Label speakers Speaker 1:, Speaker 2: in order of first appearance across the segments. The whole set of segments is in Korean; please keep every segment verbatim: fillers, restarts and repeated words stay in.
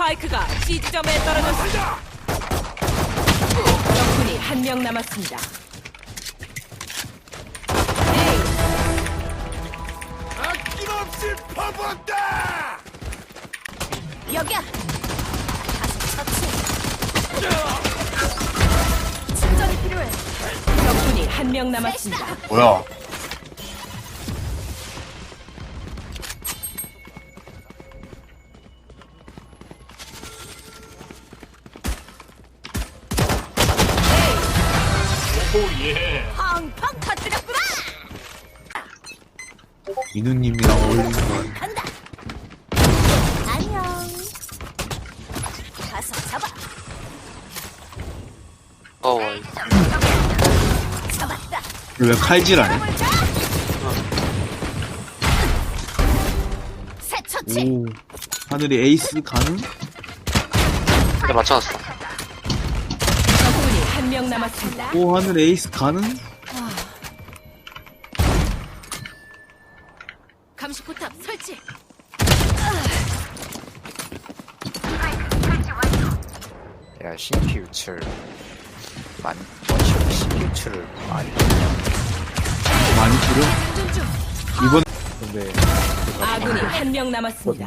Speaker 1: 스파이크가 C 지점에 떨어졌습니다. 적군이 한 명 남았습니다.
Speaker 2: 아낌없이 퍼붓다!
Speaker 3: 여기야. 가서 처치. 진정이 필요해.
Speaker 1: 적군이 한 명 남았습니다.
Speaker 4: 뭐야?
Speaker 2: 오예.
Speaker 3: 팡팡 터뜨렸구나.
Speaker 4: 민우님이랑 어울리는 건
Speaker 3: 간다. 안녕. 가서 잡아.
Speaker 5: 어,
Speaker 3: 잡았다.
Speaker 4: 왜 칼질하네?
Speaker 3: 새 처치.
Speaker 4: 오, 하늘이 에이스 가능?
Speaker 5: 근데 맞춰놨어.
Speaker 1: 적군이 한 명 남았습니다.
Speaker 4: 오, 하늘 에이스 가능?
Speaker 3: 감시 포탑 설치.
Speaker 6: 야, 씨피 유출 많이 원시 씨피 유출을 많이
Speaker 4: 많이 줄여?
Speaker 3: 장전 중.
Speaker 4: 이번
Speaker 6: 근데
Speaker 1: 아군이 한 명 남았습니다.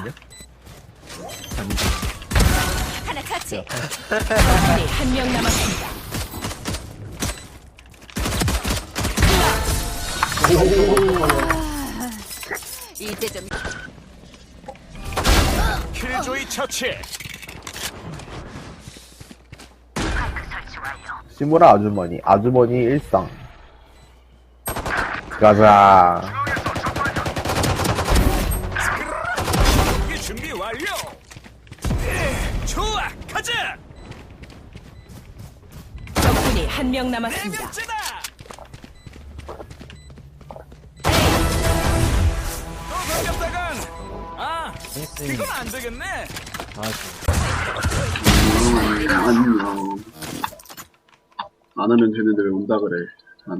Speaker 3: 하나 처치.
Speaker 1: 적군이 한 명 남았습니다.
Speaker 3: 이제 좀
Speaker 2: 킬조이 처치.
Speaker 7: 시무라 아주머니, 아주머니 일상. 가자.
Speaker 2: 준비 준비 완료. 예, 좋아, 가자.
Speaker 1: 적군이 한 명 남았습니다.
Speaker 2: 대면제다. 또 반갑다간. 아, 이건 안 되겠네.
Speaker 8: 안녕. 안 하면 되는데 왜 온다 그래, 안 해.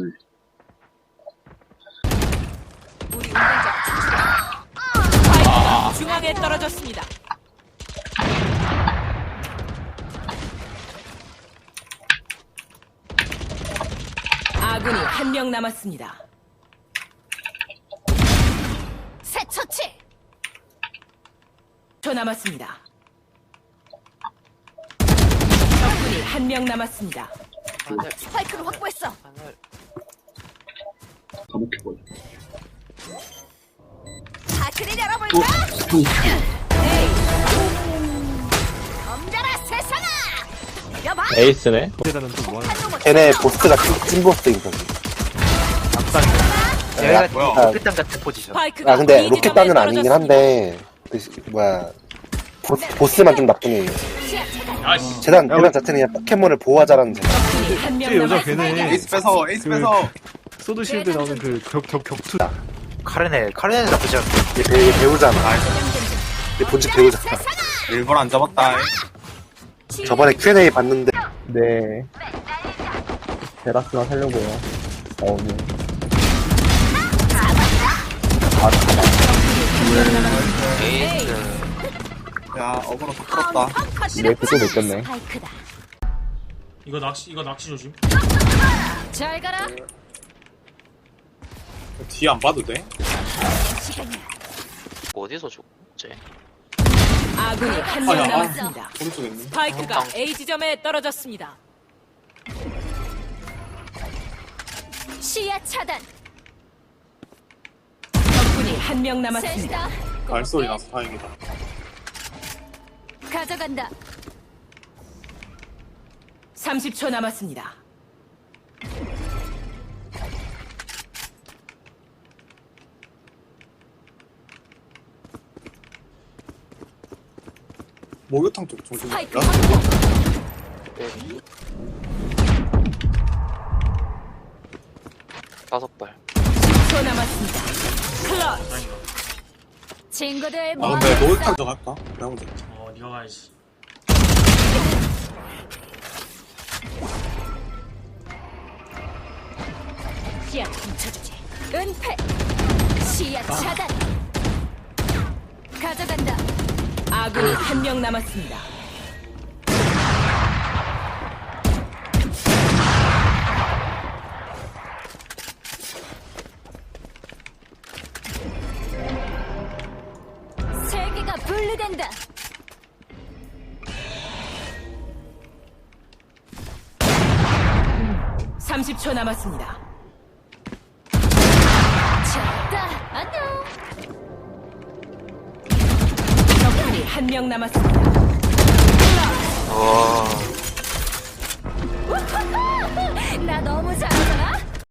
Speaker 3: 우리 운전자
Speaker 1: 스파이크가 중앙에 떨어졌습니다. 아군이 한 명 남았습니다.
Speaker 3: 새 처치.
Speaker 1: 초 남았습니다. 적군이 한 명 남았습니다.
Speaker 5: 하늘,
Speaker 3: 스파이크를 확보했어.
Speaker 5: 하늘.
Speaker 8: 감옥해버려.
Speaker 3: 다크를 열어볼까? 덤벼라 세상아. 여봐.
Speaker 7: 에이스네. 걔네 보스가 찐, 찐 보스인 거지.
Speaker 6: 얘가
Speaker 4: 뭐야?
Speaker 6: 로켓단 같은 포지션.
Speaker 1: 스파이크가
Speaker 7: 아, 근데
Speaker 1: B
Speaker 7: 로켓단은
Speaker 1: 지점에
Speaker 7: 아니긴
Speaker 1: 떨어졌습니다.
Speaker 7: 한데, 그, 시- 뭐야. 보스, 보스만 좀 나쁜 애예요.
Speaker 3: 시야 차단.
Speaker 2: 아씨.
Speaker 7: 재단, 재단 자체는 그냥 포켓몬을 보호하자라는 재단.
Speaker 1: 적군이 한 명 남았습니다.
Speaker 4: 에이스 뺏어, 에이스 뺏어.
Speaker 3: 소드 실드 나오는 그
Speaker 6: 카르넬, 카르넬 나쁘지 않고.
Speaker 7: 얘, 배, 얘 배우잖아. 얘 본집 배우잖아.
Speaker 4: 일본 안 잡았다.
Speaker 7: 저번에 큐 앤 에이 봤는데. 네. 제라스만 살려고요. 어, 네.
Speaker 5: 에이스.
Speaker 4: 야, 어그로 다 풀었다.
Speaker 7: 네, 그거 느꼈네.
Speaker 3: 스파이크다.
Speaker 2: 이거 낚시 이거 낚시 조심.
Speaker 3: 잘 가라.
Speaker 4: 뒤 안 봐도 돼?
Speaker 3: 시간이야.
Speaker 5: 어디서 죽지?
Speaker 1: 아군이 한 명
Speaker 4: 아, 야,
Speaker 1: 남았습니다.
Speaker 4: 오른쪽에 있네.
Speaker 1: 스파이크가 A 지점에 떨어졌습니다.
Speaker 3: 시야 차단.
Speaker 1: 적군이 한 명 남았습니다.
Speaker 3: 셋이다.
Speaker 4: 발소리 나서 다행이다.
Speaker 3: 가져간다.
Speaker 1: 삼십 초 남았습니다.
Speaker 4: 목욕탕 쪽 정신
Speaker 3: 스파이크
Speaker 4: 야
Speaker 3: 확보.
Speaker 5: 네. 다섯 발.
Speaker 1: 십 초 남았습니다. 클러치.
Speaker 3: 친구들
Speaker 4: 아,
Speaker 3: 뭐
Speaker 4: 근데 목욕탕 좀 할까? 그래 보자.
Speaker 2: 어, 네가 가야지.
Speaker 3: 시야 훔쳐주지. 은폐. 시야 차단. 가져간다.
Speaker 1: 아군이 한 명 남았습니다.
Speaker 3: 세계가 분리된다.
Speaker 1: 삼십 초 남았습니다.
Speaker 3: 졌다. 안녕.
Speaker 1: 적군이 한 명 남았습니다.
Speaker 5: 와